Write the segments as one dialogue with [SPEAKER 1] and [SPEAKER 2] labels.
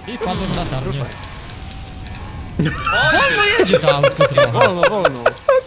[SPEAKER 1] I wpadłem w latarnię. Wolno jedzie to autko trochę.
[SPEAKER 2] Wolno.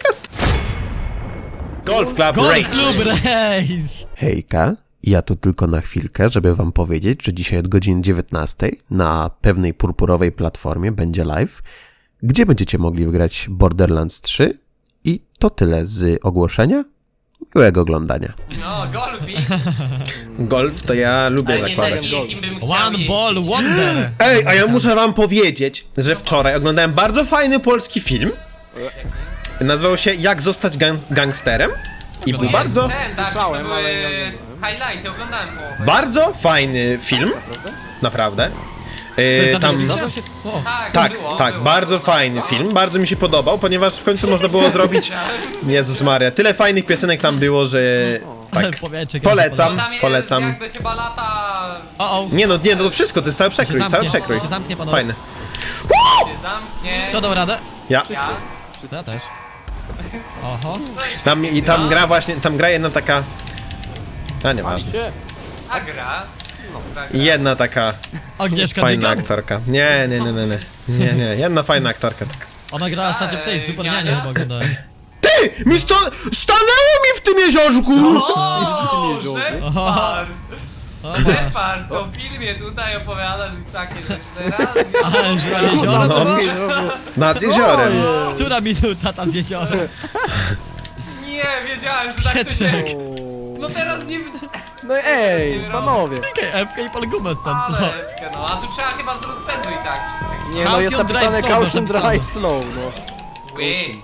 [SPEAKER 3] Golf Club
[SPEAKER 1] Golf
[SPEAKER 3] Race.
[SPEAKER 1] Club Race!
[SPEAKER 3] Hejka, ja tu tylko na chwilkę, żeby wam powiedzieć, że dzisiaj od godziny 19 na pewnej purpurowej platformie będzie live, gdzie będziecie mogli wygrać Borderlands 3 i to tyle z ogłoszenia. Miłego oglądania.
[SPEAKER 4] No, golfik.
[SPEAKER 3] Golf to ja lubię
[SPEAKER 4] Ale nie
[SPEAKER 3] zakładać.
[SPEAKER 4] taki, jakim bym chciał
[SPEAKER 1] One Ball Wonder!
[SPEAKER 3] Ej, a ja muszę wam powiedzieć, że wczoraj oglądałem bardzo fajny polski film. Nazywał się Jak zostać gangsterem. I był bardzo,
[SPEAKER 4] Ten, tak, co
[SPEAKER 2] Słyszałem,
[SPEAKER 4] były
[SPEAKER 2] ale nie oglądałem.
[SPEAKER 4] highlighty, oglądałem połowę.
[SPEAKER 3] bardzo fajny film. Naprawdę. Tam...
[SPEAKER 1] O,
[SPEAKER 3] Tak,
[SPEAKER 4] było,
[SPEAKER 3] tak,
[SPEAKER 4] było,
[SPEAKER 3] bardzo
[SPEAKER 4] było.
[SPEAKER 3] fajny film, bardzo mi się podobał, ponieważ w końcu można było zrobić... Jezus Maria, tyle fajnych piosenek tam było, że... Tak,
[SPEAKER 1] powietrze,
[SPEAKER 3] polecam,
[SPEAKER 4] Tam jest
[SPEAKER 3] polecam.
[SPEAKER 4] jakby chyba lata...
[SPEAKER 1] O,
[SPEAKER 3] Nie no, to wszystko, to jest cały przekrój,
[SPEAKER 1] zamknie,
[SPEAKER 3] cały przekrój.
[SPEAKER 1] się zamknie, panowie.
[SPEAKER 3] Fajne.
[SPEAKER 4] się zamknie.
[SPEAKER 1] Kto dał radę?
[SPEAKER 3] Ja.
[SPEAKER 4] Ja.
[SPEAKER 1] Ja też. Oho.
[SPEAKER 3] Tam gra właśnie, tam gra jedna taka... A nieważne.
[SPEAKER 4] A gra. No, tak.
[SPEAKER 3] Jedna taka
[SPEAKER 1] Agnieszka
[SPEAKER 3] fajna
[SPEAKER 1] Dygan.
[SPEAKER 3] aktorka. Nie, jedna fajna aktorka taka.
[SPEAKER 1] Ona grała ostatnio w tej Supernianie chyba oglądałem.
[SPEAKER 3] Ty! Stanęło mi w tym jeziorku!
[SPEAKER 4] O, Shepard!
[SPEAKER 1] O,
[SPEAKER 4] Shepard, to w filmie tutaj opowiadasz i takie rzeczy teraz.
[SPEAKER 1] ale że na jezioro to było?
[SPEAKER 3] Nad jeziorem.
[SPEAKER 1] Która minuta ta z jeziora?
[SPEAKER 4] Nie, wiedziałem, że tak to się... No teraz nie...
[SPEAKER 2] No ej, panowie.
[SPEAKER 1] Klikaj F-kę i pal gumę stąd, co?
[SPEAKER 4] Ale, no, a tu trzeba chyba z rozpędu i tak wszystko.
[SPEAKER 2] Nie no, jest
[SPEAKER 1] Caution drive
[SPEAKER 2] napisane
[SPEAKER 1] slow,
[SPEAKER 2] caution
[SPEAKER 1] napisane.
[SPEAKER 2] drive slow, no.
[SPEAKER 4] Ui.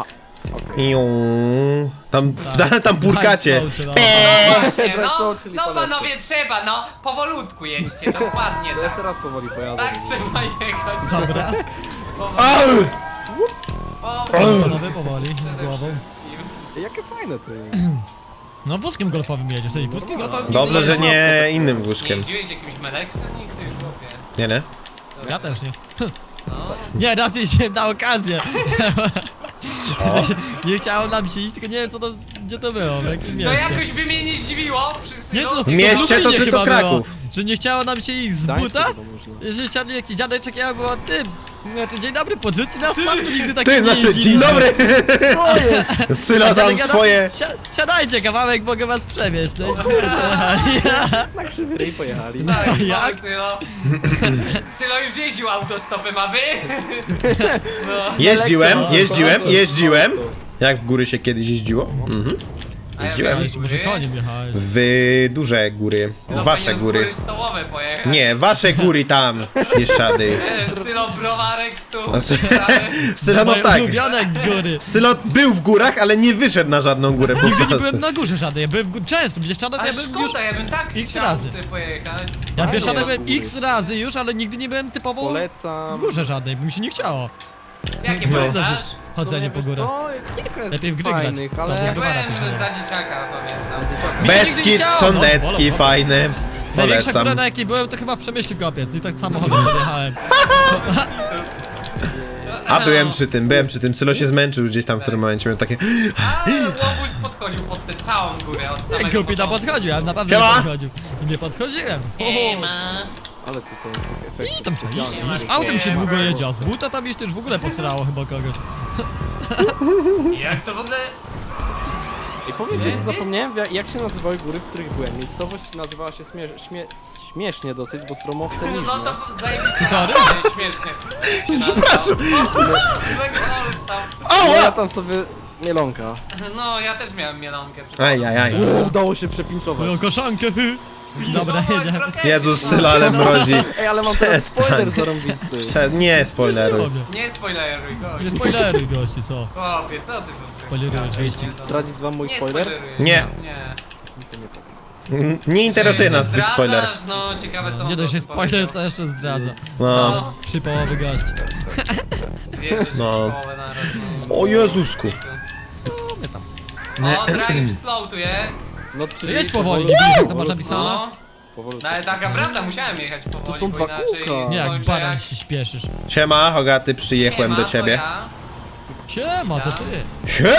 [SPEAKER 3] Tam purkacie.
[SPEAKER 4] Właśnie,
[SPEAKER 2] Drive
[SPEAKER 4] no,
[SPEAKER 2] slow, czyli
[SPEAKER 4] no
[SPEAKER 2] polecam.
[SPEAKER 4] panowie trzeba, no, powolutku jedźcie, dokładnie
[SPEAKER 2] To jeszcze
[SPEAKER 4] tak.
[SPEAKER 2] raz powoli pojadę.
[SPEAKER 4] Tak trzeba jechać.
[SPEAKER 1] Dobra.
[SPEAKER 4] Powoli.
[SPEAKER 1] Panowie powoli, z głową.
[SPEAKER 2] Jakie fajne to jest.
[SPEAKER 1] No wózkiem golfowym jedziesz, tej wózkiem golfowym nigdy
[SPEAKER 3] Dobrze, że
[SPEAKER 1] jeździłem.
[SPEAKER 3] nie innym
[SPEAKER 4] Nie
[SPEAKER 3] wózkiem.
[SPEAKER 4] jeździłeś jakimś Meleksem nigdy, chłopie?
[SPEAKER 3] Nie?
[SPEAKER 1] Ja też nie.
[SPEAKER 4] No.
[SPEAKER 1] Nie, raz jeździłem na okazję.
[SPEAKER 3] Co?
[SPEAKER 1] Nie chciało nam się iść, tylko nie wiem co to, gdzie to było, w jakim
[SPEAKER 4] To
[SPEAKER 1] mieście.
[SPEAKER 4] jakoś by mnie nie zdziwiło, przy
[SPEAKER 1] Nie, to
[SPEAKER 3] W mieście to
[SPEAKER 1] Lublinie
[SPEAKER 3] tylko
[SPEAKER 1] chyba było,
[SPEAKER 3] Kraków.
[SPEAKER 1] że nie chciało nam się iść z
[SPEAKER 2] Gdańsku
[SPEAKER 1] buta,
[SPEAKER 2] chyba można.
[SPEAKER 1] że siadł jakiś dziadeczek, ja było tym. Znaczy, dzień dobry, podrzuci nas pan, tu nigdy tak
[SPEAKER 3] Ty,
[SPEAKER 1] nie
[SPEAKER 3] znaczy, dzień
[SPEAKER 1] jeździliśmy.
[SPEAKER 3] dobry! Sylo tam
[SPEAKER 1] Dziadek gada,
[SPEAKER 3] swoje...
[SPEAKER 1] Siadajcie kawałek, mogę was przewieźć. No i żeśmy się przejechali.
[SPEAKER 2] Na krzywy ryj pojechali.
[SPEAKER 4] Tak,
[SPEAKER 1] Jak?
[SPEAKER 4] jak? Sylo. Sylo już jeździł autostopem, a wy? No.
[SPEAKER 3] Jeździłem. Jak w góry się kiedyś jeździło? Mhm.
[SPEAKER 4] A ja
[SPEAKER 3] Jeździłem.
[SPEAKER 4] wiem,
[SPEAKER 1] Jeszcze może koniem jechałeś.
[SPEAKER 3] W duże góry.
[SPEAKER 4] No,
[SPEAKER 3] Wasze
[SPEAKER 4] powinien w
[SPEAKER 3] góry.
[SPEAKER 4] stołowe pojechać.
[SPEAKER 3] Nie, wasze góry tam, Bieszczady.
[SPEAKER 4] Wiesz, Sylo browarek stu.
[SPEAKER 3] Sylo, no
[SPEAKER 1] Moje
[SPEAKER 3] tak.
[SPEAKER 1] ulubione góry.
[SPEAKER 3] Sylo był w górach, ale nie wyszedł na żadną górę po
[SPEAKER 1] Nigdy nie
[SPEAKER 3] prostu.
[SPEAKER 1] byłem na górze żadnej, ja byłem w górze często, w Bieszczadach
[SPEAKER 4] Ale
[SPEAKER 1] ja byłem już...
[SPEAKER 4] szkoda, ja bym tak
[SPEAKER 1] X
[SPEAKER 4] chciał
[SPEAKER 1] razy.
[SPEAKER 4] sobie pojechać.
[SPEAKER 1] Ja w
[SPEAKER 2] Fajnie,
[SPEAKER 1] Bieszczadach byłem
[SPEAKER 2] góry.
[SPEAKER 1] x razy już, ale nigdy nie byłem typowo
[SPEAKER 2] Polecam.
[SPEAKER 1] w górze żadnej, bo mi się nie chciało.
[SPEAKER 4] Jakie
[SPEAKER 1] No.
[SPEAKER 4] polecasz?
[SPEAKER 1] Chodzenie po
[SPEAKER 2] Wiesz
[SPEAKER 1] górach.
[SPEAKER 2] co, kilka jest
[SPEAKER 1] Lepiej w gry grać.
[SPEAKER 2] fajnych,
[SPEAKER 1] To
[SPEAKER 2] ale...
[SPEAKER 1] nie
[SPEAKER 4] Byłem
[SPEAKER 1] Dobra,
[SPEAKER 4] za dzieciaka, pamiętam.
[SPEAKER 1] Mi się nigdy nie
[SPEAKER 3] Beskid
[SPEAKER 1] chciało,
[SPEAKER 3] Sądecki,
[SPEAKER 1] no.
[SPEAKER 3] fajny.
[SPEAKER 1] Największa
[SPEAKER 3] Polecam.
[SPEAKER 1] góra na jakiej byłem to chyba w Przemyślu Kopiec i tak samochodem podjechałem.
[SPEAKER 3] A byłem przy tym. Sylo się zmęczył gdzieś tam w którym momencie. Miał takie...
[SPEAKER 4] A łobuz podchodził pod tę całą górę od samego
[SPEAKER 1] Głupi tam
[SPEAKER 4] początku.
[SPEAKER 1] podchodził, ale naprawdę nie
[SPEAKER 3] Siema.
[SPEAKER 1] podchodził. I nie podchodziłem.
[SPEAKER 2] Ale tutaj jest taki efekt
[SPEAKER 1] I tam trzeba iść,
[SPEAKER 2] specjalny.
[SPEAKER 1] iść. Autem się długo jedzie, a z buta tam iść to już w ogóle posrało chyba kogoś.
[SPEAKER 4] Jak to w ogóle...
[SPEAKER 2] I powiedzieć, że zapomniałem jak się nazywały góry, w których byłem. Miejscowość nazywała się śmiesznie dosyć, bo Stromowce
[SPEAKER 4] No
[SPEAKER 2] Niżne.
[SPEAKER 4] to zajebiste
[SPEAKER 1] Tory?
[SPEAKER 4] nazwa, śmiesznie.
[SPEAKER 3] Przepraszam.
[SPEAKER 2] No ja
[SPEAKER 3] Ała!
[SPEAKER 2] tam sobie mielonka.
[SPEAKER 4] No, ja też miałem mielonkę.
[SPEAKER 3] Ajajaj.
[SPEAKER 2] Udało się przepinczować.
[SPEAKER 1] Moją koszankę, Dobra, jedziemy.
[SPEAKER 3] Jezus, Sylo, ale mrozi.
[SPEAKER 2] Ej, ale mam teraz
[SPEAKER 3] Przestań.
[SPEAKER 2] spoiler zarąbisty.
[SPEAKER 3] Nie spoileruj.
[SPEAKER 4] Nie spoileruj, gość.
[SPEAKER 1] Nie spoileruj gości, co?
[SPEAKER 4] Chłopie, co ty
[SPEAKER 1] Spoileruj oczywiście.
[SPEAKER 2] Zdradzić wam mój
[SPEAKER 4] Nie
[SPEAKER 2] spoiler?
[SPEAKER 4] spoileruj.
[SPEAKER 3] Nie.
[SPEAKER 4] Nie.
[SPEAKER 3] Nie interesuje nas twój
[SPEAKER 4] Zdradzasz?
[SPEAKER 3] spoiler.
[SPEAKER 4] No, ciekawe co
[SPEAKER 1] Nie
[SPEAKER 4] on
[SPEAKER 1] dość, że
[SPEAKER 4] tu
[SPEAKER 1] spoiler
[SPEAKER 4] powiedział.
[SPEAKER 1] to jeszcze zdradza.
[SPEAKER 3] No.
[SPEAKER 1] Przy połowy gość.
[SPEAKER 4] Wierzę, że
[SPEAKER 3] No.
[SPEAKER 4] połowę naraz, no.
[SPEAKER 3] O Jezusku.
[SPEAKER 1] Co my tam?
[SPEAKER 4] O, drive slow tu jest.
[SPEAKER 2] No,
[SPEAKER 1] To
[SPEAKER 2] czyli
[SPEAKER 1] jedź powoli, nie widzisz jak to masz napisane?
[SPEAKER 4] No.
[SPEAKER 2] Powolutku.
[SPEAKER 4] No ale taka prawda, musiałem jechać powoli,
[SPEAKER 2] są
[SPEAKER 4] bo
[SPEAKER 2] dwa
[SPEAKER 4] inaczej
[SPEAKER 2] kółka.
[SPEAKER 1] Nie, jak
[SPEAKER 4] skończę
[SPEAKER 1] baran
[SPEAKER 4] jak...
[SPEAKER 1] się śpieszysz.
[SPEAKER 3] Siema, Hogaty, przyjechałem
[SPEAKER 4] Siema,
[SPEAKER 3] do
[SPEAKER 4] to
[SPEAKER 3] ciebie.
[SPEAKER 4] ja.
[SPEAKER 1] Siema, to ty.
[SPEAKER 3] Siema!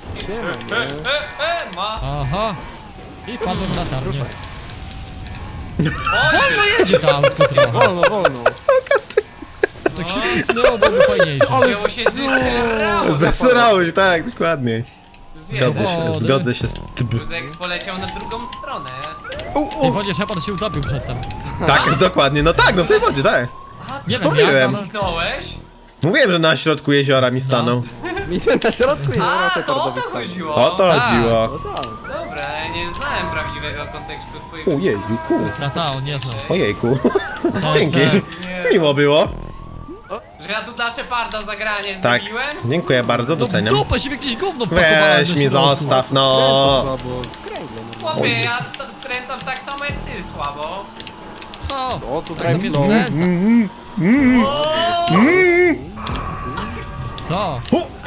[SPEAKER 2] Siema, nie?
[SPEAKER 4] Ma.
[SPEAKER 1] Aha. I wpadłem w latarnię. Wolno jedzie to autko trochę.
[SPEAKER 2] Wolno.
[SPEAKER 1] Tak szybko snęło, byłoby fajniejsze.
[SPEAKER 4] Wzięło się zesrało.
[SPEAKER 3] Zesrało się, tak, dokładnie. Zgodzę się,
[SPEAKER 1] Wody.
[SPEAKER 3] zgodzę się z tym.
[SPEAKER 4] Józek poleciał na drugą stronę.
[SPEAKER 1] W tej wodzie Shepard się utopił przedtem.
[SPEAKER 3] Tak, dokładnie, no tak, no w tej wodzie, tak.
[SPEAKER 4] A,
[SPEAKER 1] Nie
[SPEAKER 4] ty
[SPEAKER 1] wiem
[SPEAKER 3] mówiłem.
[SPEAKER 1] jak, ale...
[SPEAKER 4] zniknąłeś?
[SPEAKER 3] Mówiłem, że na środku jeziora mi stanął.
[SPEAKER 2] Mi na środku jest
[SPEAKER 4] A, to o to chodziło.
[SPEAKER 3] O to
[SPEAKER 1] Tak.
[SPEAKER 3] chodziło.
[SPEAKER 2] No tak.
[SPEAKER 4] Dobra, ja nie znałem prawdziwego kontekstu twojego.
[SPEAKER 3] Ojejku,
[SPEAKER 1] Tata, on nie znał.
[SPEAKER 3] ojejku.
[SPEAKER 1] No,
[SPEAKER 3] Dzięki.
[SPEAKER 1] tak.
[SPEAKER 4] Nie,
[SPEAKER 3] Miło było.
[SPEAKER 4] że ja tu dla Sheparda zagranie
[SPEAKER 3] Tak,
[SPEAKER 4] zrobiłem?
[SPEAKER 3] dziękuję bardzo,
[SPEAKER 1] No w
[SPEAKER 3] doceniam.
[SPEAKER 1] dupę się w jakieś gówno wpakowałem
[SPEAKER 3] Weź
[SPEAKER 1] do
[SPEAKER 3] mi
[SPEAKER 1] środku.
[SPEAKER 3] zostaw, no.
[SPEAKER 2] Słabo. Kręgle, no.
[SPEAKER 4] Chłopie, ja to skręcam tak samo jak ty, słabo.
[SPEAKER 1] No,
[SPEAKER 2] O, tu
[SPEAKER 1] tak to mnie
[SPEAKER 2] kręgle.
[SPEAKER 1] skręca.
[SPEAKER 3] Mm.
[SPEAKER 1] Co?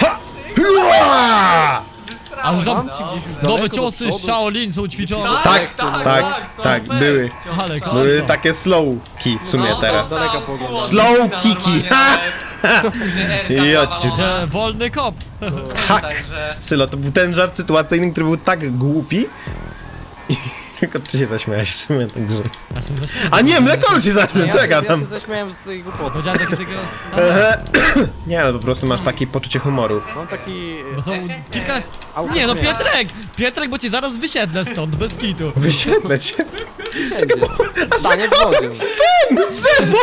[SPEAKER 3] Hua!
[SPEAKER 4] Wysrałem,
[SPEAKER 1] Ale
[SPEAKER 2] Mam
[SPEAKER 4] no.
[SPEAKER 2] ci gdzieś już
[SPEAKER 1] Nowe
[SPEAKER 2] daleko do
[SPEAKER 1] ciosy z
[SPEAKER 2] przodu.
[SPEAKER 1] Shaolin są ćwiczone.
[SPEAKER 3] Tak, były.
[SPEAKER 1] Ale
[SPEAKER 3] Były takie slowki w sumie teraz.
[SPEAKER 2] Daleka pogoda.
[SPEAKER 3] Slow kiki, ha! Jodźcie.
[SPEAKER 1] Że wolny kop.
[SPEAKER 3] Tak.
[SPEAKER 4] Także...
[SPEAKER 3] Sylo, to był ten żart sytuacyjny, który był tak głupi. I tylko ty się zaśmiałeś w sumie tak grze.
[SPEAKER 1] Ja się zaśmiałem.
[SPEAKER 3] A nie, mleko się zaśmiał, co ja
[SPEAKER 2] Ja
[SPEAKER 3] gadam?
[SPEAKER 2] się zaśmiałem z tej głupoty.
[SPEAKER 1] Powiedziałem takiego...
[SPEAKER 3] Nie, no po prostu masz takie poczucie humoru.
[SPEAKER 2] Mam taki...
[SPEAKER 1] Bo są kilka...
[SPEAKER 2] auto
[SPEAKER 1] Nie no,
[SPEAKER 2] śmiech.
[SPEAKER 1] Pietrek, bo cię zaraz wysiedlę stąd, bez kitu.
[SPEAKER 3] Wysiedlę cię.
[SPEAKER 2] Stanie w wodzie.
[SPEAKER 3] Czemu?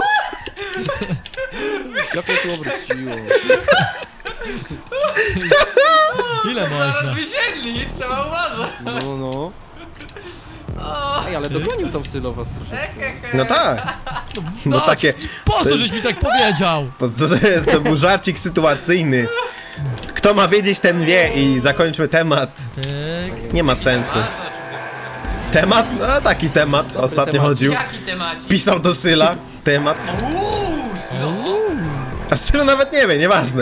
[SPEAKER 2] Jak to się obróciło?
[SPEAKER 1] Ile
[SPEAKER 4] Zaraz
[SPEAKER 1] można?
[SPEAKER 4] wysiedli, trzeba uważać.
[SPEAKER 2] No. Ej, ale dogonił tam Sylo was troszeczkę.
[SPEAKER 3] No tak. No takie...
[SPEAKER 1] Po
[SPEAKER 3] to
[SPEAKER 1] co
[SPEAKER 3] jest-
[SPEAKER 1] żeś mi tak powiedział?
[SPEAKER 3] Po co to jest? To był żarcik sytuacyjny. Kto ma wiedzieć, ten wie i zakończmy temat.
[SPEAKER 1] Tyk.
[SPEAKER 3] Nie ma sensu.
[SPEAKER 4] A to o czym mówię?
[SPEAKER 3] Temat? No taki temat ostatnio
[SPEAKER 2] temat.
[SPEAKER 3] chodził.
[SPEAKER 4] Jaki temacik?
[SPEAKER 3] Pisał do Syla temat.
[SPEAKER 4] No.
[SPEAKER 3] A Sylo nawet nie wie, nieważne.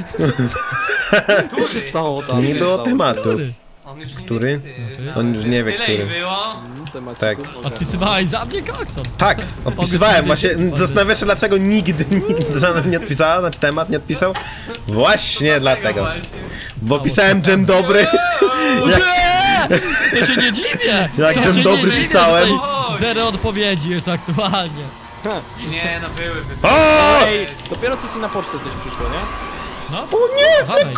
[SPEAKER 2] Co się stało tam?
[SPEAKER 3] Nie
[SPEAKER 2] Co
[SPEAKER 3] było
[SPEAKER 2] się stało?
[SPEAKER 3] tematu.
[SPEAKER 1] Który?
[SPEAKER 4] On już nie
[SPEAKER 3] Który?
[SPEAKER 4] wie,
[SPEAKER 3] On już nie wie,
[SPEAKER 4] Tyle
[SPEAKER 3] który.
[SPEAKER 4] ich było.
[SPEAKER 2] Temacik
[SPEAKER 3] Tak.
[SPEAKER 2] uwaga.
[SPEAKER 1] Odpisywałeś za mnie koksem.
[SPEAKER 3] Tak, odpisywałem. Właśnie
[SPEAKER 1] Powiedz,
[SPEAKER 3] zastanawiam się, dlaczego nigdy żaden nie odpisała, znaczy temat nie odpisał. Właśnie dlatego.
[SPEAKER 4] Właśnie.
[SPEAKER 3] Bo pisałem dzień dobry. Jak
[SPEAKER 1] Nie! To się nie dziwię!
[SPEAKER 3] Jak
[SPEAKER 1] To
[SPEAKER 3] dzień
[SPEAKER 1] się
[SPEAKER 3] dobry
[SPEAKER 1] nie dziwię,
[SPEAKER 3] pisałem.
[SPEAKER 1] że tutaj Zero odpowiedzi jest aktualnie.
[SPEAKER 4] Nie, no były.
[SPEAKER 3] O!
[SPEAKER 2] Ej, dopiero co ci na pocztę coś przyszło, nie?
[SPEAKER 1] No?
[SPEAKER 3] O nie!
[SPEAKER 1] Dawaj,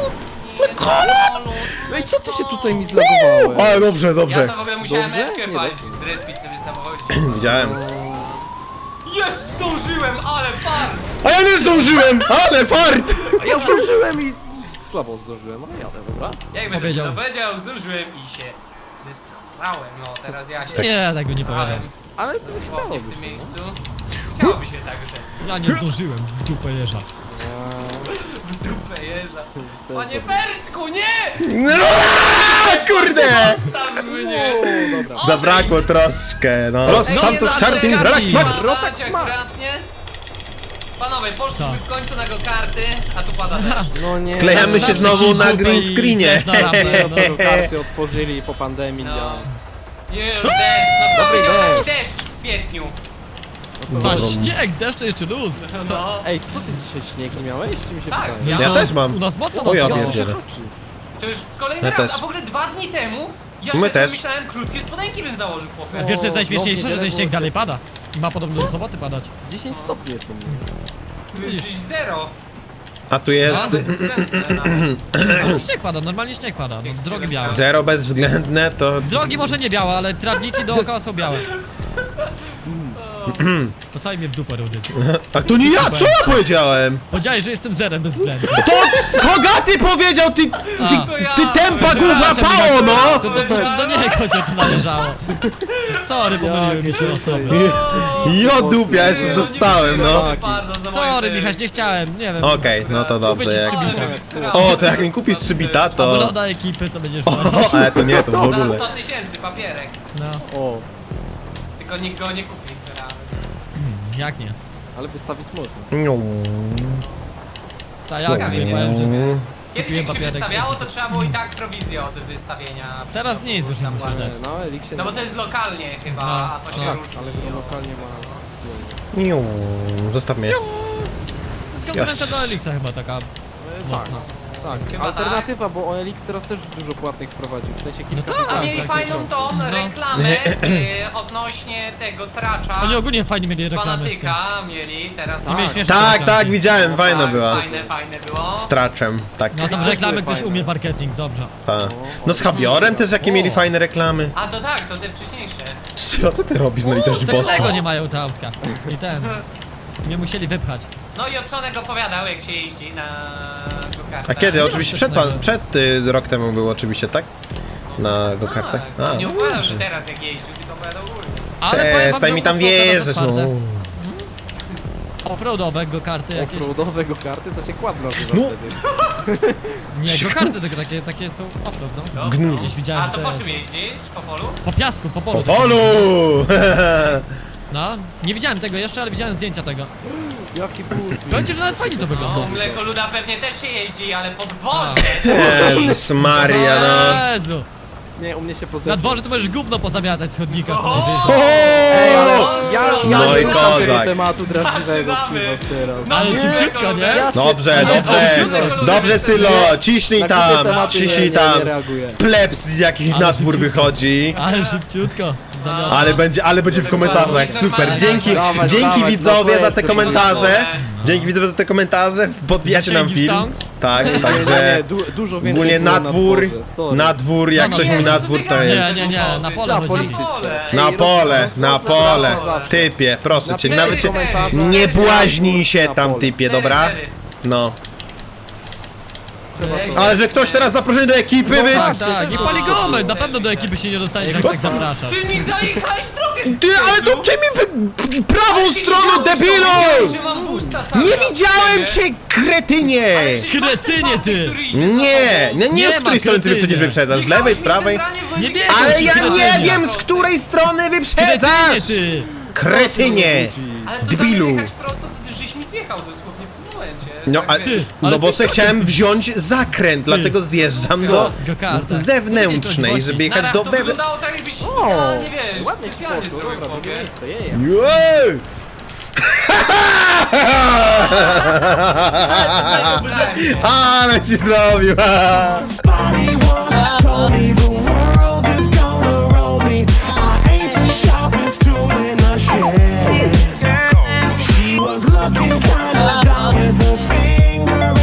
[SPEAKER 2] Ej, co ty się tutaj mi zlagowałeś?
[SPEAKER 3] Ale dobrze,
[SPEAKER 4] Ja
[SPEAKER 3] dobrze.
[SPEAKER 4] to w ogóle musiałem
[SPEAKER 2] Dobrze?
[SPEAKER 4] Ewkę
[SPEAKER 2] Nie,
[SPEAKER 4] palić,
[SPEAKER 2] dobrze.
[SPEAKER 4] zrespić sobie samochodzik.
[SPEAKER 3] Widziałem.
[SPEAKER 4] Jest, zdążyłem, ale fart!
[SPEAKER 3] A ja nie zdążyłem! Ale fart!
[SPEAKER 2] A ja zdążyłem i... Słabo zdążyłem, ale jadę, dobra?
[SPEAKER 4] Jak będę
[SPEAKER 1] Powiedział.
[SPEAKER 4] sobie powiedział, zdążyłem i się zesrałem. No, teraz ja się
[SPEAKER 1] Nie, tak by nie
[SPEAKER 4] zesrałem
[SPEAKER 1] powiedział.
[SPEAKER 2] Ale to
[SPEAKER 4] dosłownie
[SPEAKER 2] chciało
[SPEAKER 4] w tym
[SPEAKER 2] być.
[SPEAKER 4] miejscu. Chciałoby się tak rzec.
[SPEAKER 1] Ja nie zdążyłem w dupę jeża.
[SPEAKER 4] W dupę jeża. Panie Bertku, nie!
[SPEAKER 3] No, kurde!
[SPEAKER 4] Zostaw mnie!
[SPEAKER 2] O, dobra.
[SPEAKER 3] Zabrakło troszkę, no. Los
[SPEAKER 1] No,
[SPEAKER 3] Santos
[SPEAKER 1] za-
[SPEAKER 3] Karting,
[SPEAKER 1] za-
[SPEAKER 3] relax
[SPEAKER 1] za-
[SPEAKER 3] max!
[SPEAKER 4] Padać akuratnie. Panowie, poszliśmy
[SPEAKER 1] Co?
[SPEAKER 4] w końcu na go karty, a tu pada deszcz.
[SPEAKER 2] No nie.
[SPEAKER 3] Wklejamy się
[SPEAKER 1] Zawsze
[SPEAKER 3] znowu
[SPEAKER 1] kij
[SPEAKER 3] na
[SPEAKER 1] w dupę
[SPEAKER 3] green
[SPEAKER 1] i
[SPEAKER 3] screenie.
[SPEAKER 1] też na rampę, no.
[SPEAKER 2] Dopiero karty otworzyli po pandemii,
[SPEAKER 4] No.
[SPEAKER 2] ja...
[SPEAKER 4] Już deszcz, no
[SPEAKER 2] Dobry
[SPEAKER 4] powiedział taki
[SPEAKER 2] deszcz.
[SPEAKER 4] deszcz w kwietniu.
[SPEAKER 1] Ta śnieg, deszcz to jeszcze luz.
[SPEAKER 4] No.
[SPEAKER 2] Ej, co ty dzisiaj śnieg nie miałeś? Czy mi się
[SPEAKER 4] Tak,
[SPEAKER 2] wydaje?
[SPEAKER 3] Ja
[SPEAKER 1] to
[SPEAKER 3] też mam.
[SPEAKER 1] U nas mocno
[SPEAKER 3] O, ja
[SPEAKER 1] napiało.
[SPEAKER 3] pierdzielę.
[SPEAKER 4] To już kolejny
[SPEAKER 3] Ja
[SPEAKER 4] raz,
[SPEAKER 3] też.
[SPEAKER 4] a w ogóle 2 dni temu ja
[SPEAKER 3] My
[SPEAKER 4] sobie
[SPEAKER 3] też.
[SPEAKER 4] myślałem, krótkie spodenki bym założył, chłopie.
[SPEAKER 1] Wiesz co jest najśmieszniejsze,
[SPEAKER 2] No,
[SPEAKER 1] że ten
[SPEAKER 2] niewiele
[SPEAKER 1] śnieg
[SPEAKER 2] było.
[SPEAKER 1] dalej pada. I ma podobno do soboty padać.
[SPEAKER 2] 10 stopni jest u mnie.
[SPEAKER 4] Tu jest gdzieś 0.
[SPEAKER 3] A tu jest
[SPEAKER 4] A, bezwzględne nawet.
[SPEAKER 1] Ale śnieg pada, normalnie śnieg pada. No, drogi białe.
[SPEAKER 3] zero bezwzględne, to...
[SPEAKER 1] Drogi może nie białe, ale trawniki dookoła są białe. To cały mnie w dupę rudy.
[SPEAKER 3] A to nie ja, co ja powiedziałem?
[SPEAKER 1] Powiedziałeś, że jestem zerem bez względu.
[SPEAKER 3] To Hogaty powiedział, ty tempa gówna pało, no!
[SPEAKER 1] To do niego się to należało. Sorry, pomyliły mi się osoby.
[SPEAKER 3] Jo dupia, jeszcze dostałem, no.
[SPEAKER 4] Proszę bardzo za moje
[SPEAKER 1] Sorry,
[SPEAKER 4] te-
[SPEAKER 1] Michaś, nie chciałem, nie wiem.
[SPEAKER 3] Okej, no to
[SPEAKER 1] Kupię
[SPEAKER 3] dobrze,
[SPEAKER 1] ci
[SPEAKER 3] jak...
[SPEAKER 1] 3
[SPEAKER 4] Ale
[SPEAKER 1] bita.
[SPEAKER 4] mnie wysrało.
[SPEAKER 3] O, to jak mi kupisz 3 bita,
[SPEAKER 1] Albo
[SPEAKER 3] to...
[SPEAKER 1] loda ekipy, co będziesz
[SPEAKER 3] O,
[SPEAKER 1] miał.
[SPEAKER 3] ale to nie, to w
[SPEAKER 4] Za
[SPEAKER 3] ogóle.
[SPEAKER 4] 100 000 papierek.
[SPEAKER 1] No,
[SPEAKER 2] O,
[SPEAKER 4] Tylko nikt go nie kupi.
[SPEAKER 1] jak nie?
[SPEAKER 2] ale wystawić można.
[SPEAKER 3] No.
[SPEAKER 1] Ta jak nie powiem, że...
[SPEAKER 4] Kiedyś
[SPEAKER 1] Kupiłem
[SPEAKER 4] jak się
[SPEAKER 1] papierek.
[SPEAKER 4] wystawiało, to trzeba było i tak prowizję od wystawienia.
[SPEAKER 1] Teraz nie jest już
[SPEAKER 4] Tam
[SPEAKER 1] nie muszę
[SPEAKER 4] ładnie.
[SPEAKER 1] dać.
[SPEAKER 2] No, Elik się...
[SPEAKER 4] No bo to jest lokalnie chyba,
[SPEAKER 1] No,
[SPEAKER 4] a to się
[SPEAKER 1] no.
[SPEAKER 4] różni.
[SPEAKER 2] Ale go lokalnie ma...
[SPEAKER 3] Zostaw mnie.
[SPEAKER 1] To jest konkurencja
[SPEAKER 3] Yes.
[SPEAKER 1] do Elixa chyba taka mocna.
[SPEAKER 2] Tak,
[SPEAKER 4] Chyba
[SPEAKER 2] alternatywa, bo OLX teraz też dużo płatnych wprowadził, w sensie kilka
[SPEAKER 1] tak.
[SPEAKER 4] A
[SPEAKER 2] tysięcy.
[SPEAKER 4] mieli
[SPEAKER 1] tak,
[SPEAKER 4] fajną
[SPEAKER 1] tak.
[SPEAKER 4] tą
[SPEAKER 1] No.
[SPEAKER 4] reklamę odnośnie tego tracza.
[SPEAKER 1] Oni ogólnie fajnie mieli
[SPEAKER 4] Z
[SPEAKER 1] reklamy z tym.
[SPEAKER 4] Fanatyka mieli teraz.
[SPEAKER 1] Nie mieli śmieszne
[SPEAKER 3] Tak,
[SPEAKER 1] reklamy.
[SPEAKER 3] tak, widziałem,
[SPEAKER 4] No,
[SPEAKER 3] fajna
[SPEAKER 4] tak,
[SPEAKER 3] była.
[SPEAKER 4] Fajne było.
[SPEAKER 3] Z traczem, tak.
[SPEAKER 1] No tam
[SPEAKER 2] Tak,
[SPEAKER 1] reklamy
[SPEAKER 2] były
[SPEAKER 1] ktoś
[SPEAKER 2] fajne.
[SPEAKER 1] umie marketing, dobrze.
[SPEAKER 3] Ta. No z Habiorem też jakie mieli fajne reklamy.
[SPEAKER 4] A to tak, to te wcześniejsze.
[SPEAKER 3] Co ty robisz na litość boską?
[SPEAKER 1] Secznego nie mają te autka. I ten. Nie musieli wypchać.
[SPEAKER 4] No i Odsonek opowiadał, jak się jeździ na go-kartach.
[SPEAKER 3] A kiedy?
[SPEAKER 1] nie
[SPEAKER 3] Oczywiście
[SPEAKER 1] ma
[SPEAKER 3] przed,
[SPEAKER 1] secznego.
[SPEAKER 3] rok temu było oczywiście, tak? Na go-kartach?
[SPEAKER 4] Tak,
[SPEAKER 3] A,
[SPEAKER 4] nie opowiadał, że teraz jak jeździł, tylko opowiadał ogólnie.
[SPEAKER 1] Ale powiem wam,
[SPEAKER 3] przestań
[SPEAKER 1] że
[SPEAKER 3] mi tam
[SPEAKER 1] u nas są teraz
[SPEAKER 3] wierzyć, no.
[SPEAKER 1] otwarte. Offroadowe go-karty jakieś.
[SPEAKER 2] Offroadowe go-karty to się kład nazywa
[SPEAKER 3] No.
[SPEAKER 2] wtedy.
[SPEAKER 1] Nie, go-karty tylko takie są offroad, no.
[SPEAKER 4] No,
[SPEAKER 3] Gnu.
[SPEAKER 1] Gdzieś widziałem,
[SPEAKER 4] A
[SPEAKER 1] że
[SPEAKER 4] to
[SPEAKER 1] to
[SPEAKER 4] po
[SPEAKER 1] jest.
[SPEAKER 4] czym jeździsz? Po polu?
[SPEAKER 1] Po piasku, po polu.
[SPEAKER 3] Po polu!
[SPEAKER 1] No, nie widziałem tego jeszcze, ale widziałem zdjęcia tego.
[SPEAKER 2] Jaki boost.
[SPEAKER 1] Powiem ci, że nawet fajnie to wygląda.
[SPEAKER 4] No, mlekoluda pewnie też się jeździ, ale po dworze.
[SPEAKER 3] Jezus Maria, no.
[SPEAKER 1] Jezu.
[SPEAKER 2] Nie, u mnie się poza.
[SPEAKER 1] Na dworze to możesz gówno pozamiatać z chodnika co
[SPEAKER 4] O!
[SPEAKER 1] najwyżej.
[SPEAKER 2] Ej, ale ja
[SPEAKER 3] No
[SPEAKER 2] nie
[SPEAKER 3] i
[SPEAKER 2] mam
[SPEAKER 3] kozak.
[SPEAKER 2] tego tematu drażliwego
[SPEAKER 4] Zaczynamy.
[SPEAKER 2] przy was teraz.
[SPEAKER 4] Znowu
[SPEAKER 1] Ale szybciutko,
[SPEAKER 4] mlekoludę.
[SPEAKER 1] nie?
[SPEAKER 3] Dobrze,
[SPEAKER 2] Ja się-
[SPEAKER 3] dobrze. Dobrze, Sylo, ciśnij
[SPEAKER 2] Na kupię
[SPEAKER 3] tam,
[SPEAKER 2] tematy
[SPEAKER 3] ciśnij
[SPEAKER 2] nie
[SPEAKER 3] tam.
[SPEAKER 2] reaguję.
[SPEAKER 3] Plebs z jakiś
[SPEAKER 1] Ale
[SPEAKER 3] na dwór
[SPEAKER 1] szybciutko.
[SPEAKER 3] wychodzi.
[SPEAKER 1] Ale szybciutko. Zamiata.
[SPEAKER 3] Ale będzie w komentarzach, super. Dzięki,
[SPEAKER 2] Dawać,
[SPEAKER 3] dzięki
[SPEAKER 2] dawać,
[SPEAKER 3] widzowie
[SPEAKER 2] no
[SPEAKER 3] za
[SPEAKER 2] to
[SPEAKER 3] te
[SPEAKER 2] jeszcze
[SPEAKER 3] komentarze. Dzięki widzowie za te komentarze, podbijacie nam
[SPEAKER 1] Zasięgi
[SPEAKER 3] film.
[SPEAKER 1] stonks?
[SPEAKER 3] Tak,
[SPEAKER 2] Nie,
[SPEAKER 3] także
[SPEAKER 2] dużo więcej
[SPEAKER 3] ogólnie
[SPEAKER 2] było
[SPEAKER 3] na dwór,
[SPEAKER 2] dworze, sorry.
[SPEAKER 3] na dwór, jak
[SPEAKER 1] Co
[SPEAKER 3] ktoś
[SPEAKER 1] na
[SPEAKER 3] mówi
[SPEAKER 1] dwór?
[SPEAKER 3] na
[SPEAKER 4] Co
[SPEAKER 3] dwór
[SPEAKER 4] ty
[SPEAKER 3] to
[SPEAKER 4] gadasz?
[SPEAKER 3] jest.
[SPEAKER 1] Nie, na pole
[SPEAKER 2] Na
[SPEAKER 1] chodzili.
[SPEAKER 2] polityce.
[SPEAKER 4] Pole.
[SPEAKER 3] Na pole, na pole.
[SPEAKER 2] zawsze.
[SPEAKER 3] Typie, proszę cię,
[SPEAKER 2] Na
[SPEAKER 3] nawet cię,
[SPEAKER 2] komentarze.
[SPEAKER 3] nie błaźnij się
[SPEAKER 2] Na
[SPEAKER 3] tam
[SPEAKER 2] pole.
[SPEAKER 3] typie, dobra? No.
[SPEAKER 2] Trzeba to-
[SPEAKER 3] Ale że ktoś teraz zaproszony do ekipy, wy...
[SPEAKER 1] Tak, tak, nie pali gomy, na pewno do ekipy się nie dostaniesz, jak tak zapraszasz.
[SPEAKER 4] Ty mi zajechałeś drogę!
[SPEAKER 3] Ty, ale to ty mi prawą stroną, debilu!
[SPEAKER 4] Że mam boosta cały
[SPEAKER 3] Nie
[SPEAKER 4] czas
[SPEAKER 3] widziałem
[SPEAKER 4] w siebie.
[SPEAKER 3] cię, kretynie!
[SPEAKER 4] Ale przecież masz ten
[SPEAKER 1] Kretynie,
[SPEAKER 4] pasek,
[SPEAKER 1] ty.
[SPEAKER 4] który idzie za
[SPEAKER 3] Nie,
[SPEAKER 4] tobą.
[SPEAKER 3] nie, nie,
[SPEAKER 1] Nie
[SPEAKER 3] z której
[SPEAKER 1] ma
[SPEAKER 3] strony ty
[SPEAKER 1] kretynie.
[SPEAKER 3] przecież wyprzedzasz, z lewej, z
[SPEAKER 4] Jechałeś mi
[SPEAKER 3] prawej?
[SPEAKER 4] centralnie w
[SPEAKER 1] Nie
[SPEAKER 4] błędzie.
[SPEAKER 1] wiem,
[SPEAKER 3] Ale
[SPEAKER 1] ci
[SPEAKER 3] ja
[SPEAKER 1] kretynie.
[SPEAKER 3] nie wiem, z której strony
[SPEAKER 1] Kretynie,
[SPEAKER 3] wyprzedzasz!
[SPEAKER 1] ty.
[SPEAKER 3] Kretynie!
[SPEAKER 4] Ale to
[SPEAKER 3] Debilu.
[SPEAKER 4] zamiast jechać prosto, to ty żeś mi zjechał dosłownie w tym momencie.
[SPEAKER 3] No,
[SPEAKER 4] Tak
[SPEAKER 3] a,
[SPEAKER 4] wiesz.
[SPEAKER 1] ty.
[SPEAKER 3] no
[SPEAKER 1] Ale
[SPEAKER 3] bo
[SPEAKER 1] ty
[SPEAKER 3] se
[SPEAKER 1] to
[SPEAKER 3] chciałem
[SPEAKER 1] ty.
[SPEAKER 3] wziąć zakręt, dlatego zjeżdżam do
[SPEAKER 1] Go-karta.
[SPEAKER 3] zewnętrznej, żeby jechać
[SPEAKER 4] Nara,
[SPEAKER 3] do
[SPEAKER 4] to
[SPEAKER 3] wewnętrznej.
[SPEAKER 4] wyglądało tak jakbyś
[SPEAKER 2] O,
[SPEAKER 4] idealnie, wiesz,
[SPEAKER 2] ładnie
[SPEAKER 4] specjalnie
[SPEAKER 2] spoko,
[SPEAKER 4] zrobił
[SPEAKER 2] dobra,
[SPEAKER 4] powie.
[SPEAKER 2] drugie miejsce, jej.
[SPEAKER 3] Ale ci zrobił!
[SPEAKER 5] Body once told me the world is gonna roll me. I ain't the sharpest tool in the shed. She was looking kinda dumb with her finger